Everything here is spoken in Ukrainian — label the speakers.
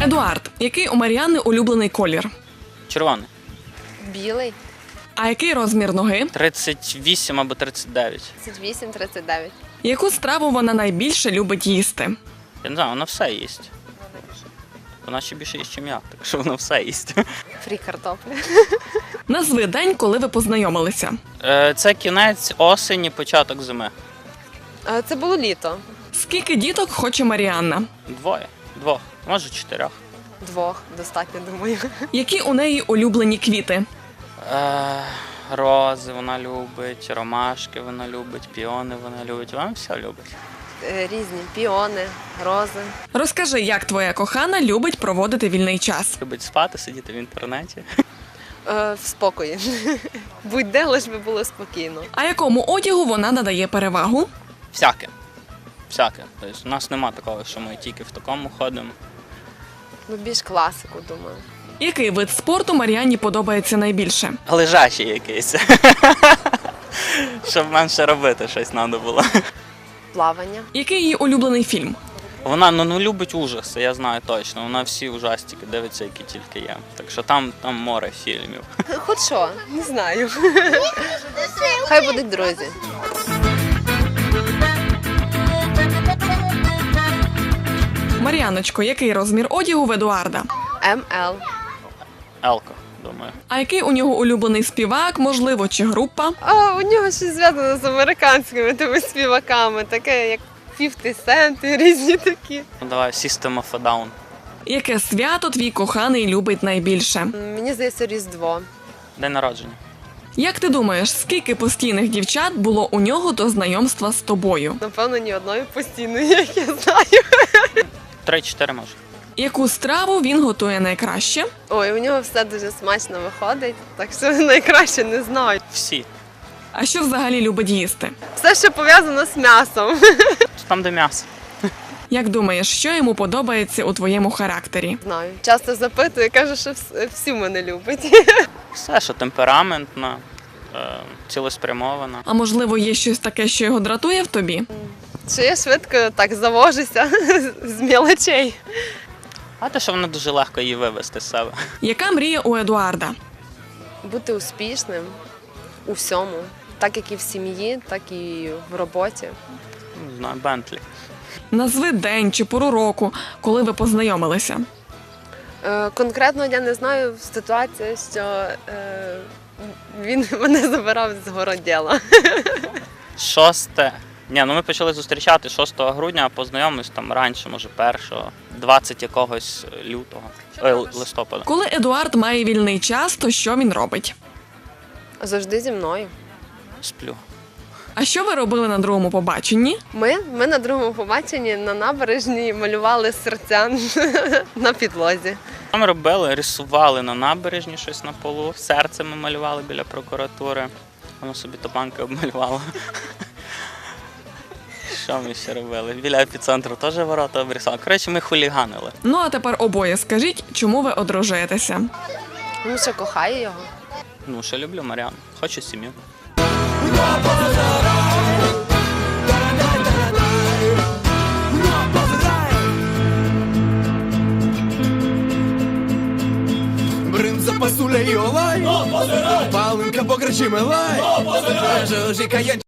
Speaker 1: Едуард, який у Мар'яни улюблений колір?
Speaker 2: Червоний.
Speaker 3: Білий.
Speaker 1: А який розмір ноги?
Speaker 2: 38 або 39.
Speaker 3: 38-39.
Speaker 1: Яку страву вона найбільше любить їсти?
Speaker 2: Я не знаю, вона все їсть. Вона ще більше їсть, ніж я, так що вона все їсть.
Speaker 3: Фрі картопля.
Speaker 1: Назви день, коли ви познайомилися.
Speaker 2: Це кінець осені, початок зими.
Speaker 3: Це було літо.
Speaker 1: Скільки діток хоче Мар'яна?
Speaker 2: Двох, може 4.
Speaker 3: 2 достатньо, думаю.
Speaker 1: Які у неї улюблені квіти?
Speaker 2: Рози вона любить, ромашки вона любить, піони вона любить. Вона все любить.
Speaker 3: Різні піони, рози.
Speaker 1: Розкажи, як твоя кохана любить проводити вільний час.
Speaker 2: Любить спати, сидіти в інтернеті.
Speaker 3: В спокої. Будь-де, лиш би було спокійно.
Speaker 1: А якому одягу вона надає перевагу?
Speaker 2: Всяке. Тобто, у нас нема такого, що ми тільки в такому ходимо.
Speaker 3: Ну, більш класику, думаю.
Speaker 1: Який вид спорту Мар'яні подобається найбільше?
Speaker 2: Лежачий якийсь. Щоб менше робити щось треба було.
Speaker 3: Плавання.
Speaker 1: Який її улюблений фільм?
Speaker 2: Вона любить ужаси, я знаю точно. Вона всі ужастики дивиться, які тільки є. Так що там море фільмів.
Speaker 3: Хоч що, не знаю. Хай будуть друзі.
Speaker 1: Мар'яночко, який розмір одягу в Едуарда?
Speaker 3: МЛ.
Speaker 2: Елко, думаю.
Speaker 1: А який у нього улюблений співак, можливо, чи група?
Speaker 3: У нього щось зв'язано з американськими тими співаками, таке як 50 Cent і різні такі.
Speaker 2: Ну давай, System of a Down.
Speaker 1: Яке свято твій коханий любить найбільше?
Speaker 3: Мені здається, Різдво.
Speaker 2: День народження.
Speaker 1: Як ти думаєш, скільки постійних дівчат було у нього до знайомства з тобою?
Speaker 3: Напевно, ні одної постійної, як я знаю.
Speaker 2: 3-4 може.
Speaker 1: Яку страву він готує найкраще?
Speaker 3: Ой, у нього все дуже смачно виходить, так що найкраще не знаю.
Speaker 2: Всі.
Speaker 1: А що взагалі любить їсти?
Speaker 3: Все, що пов'язано з м'ясом.
Speaker 2: Там, де м'ясо.
Speaker 1: Як думаєш, що йому подобається у твоєму характері?
Speaker 3: Знаю. Часто запитую, каже, що всі мене любить.
Speaker 2: Все, що темпераментно, цілеспрямовано.
Speaker 1: А можливо, є щось таке, що його дратує в тобі?
Speaker 3: Що я швидко так завожуся з мілочей.
Speaker 2: А те, що воно дуже легко її вивести з себе.
Speaker 1: Яка мрія у Едуарда?
Speaker 3: Бути успішним у всьому. Так як і в сім'ї, так і в роботі.
Speaker 2: Не знаю, Бентлі.
Speaker 1: Назви день чи пору року, коли ви познайомилися.
Speaker 3: Конкретно я не знаю, ситуація, що він мене забирав з городділа.
Speaker 2: 6. Ми почали зустрічати 6 грудня, а познайомились там раніше, може 1-го, 20 якогось листопада.
Speaker 1: Коли Едуард має вільний час, то що він робить?
Speaker 3: Завжди зі мною.
Speaker 2: Сплю.
Speaker 1: А що ви робили на другому побаченні?
Speaker 3: Ми на другому побаченні на набережній малювали серця на підлозі.
Speaker 2: Ми робили, рисували на набережні щось на полу, серце ми малювали біля прокуратури, воно собі топанки обмалювало. Що ми ще робили? Біля епіцентру теж ворота обрисали. Коротше, ми хуліганили.
Speaker 1: Ну а тепер обоє скажіть, чому ви одружуєтеся?
Speaker 3: Тому що кохаю його.
Speaker 2: Що люблю Мар'яну, хочу сім'ю.
Speaker 4: Бринза пасуля і олай, палинка покричи милай, жужика є.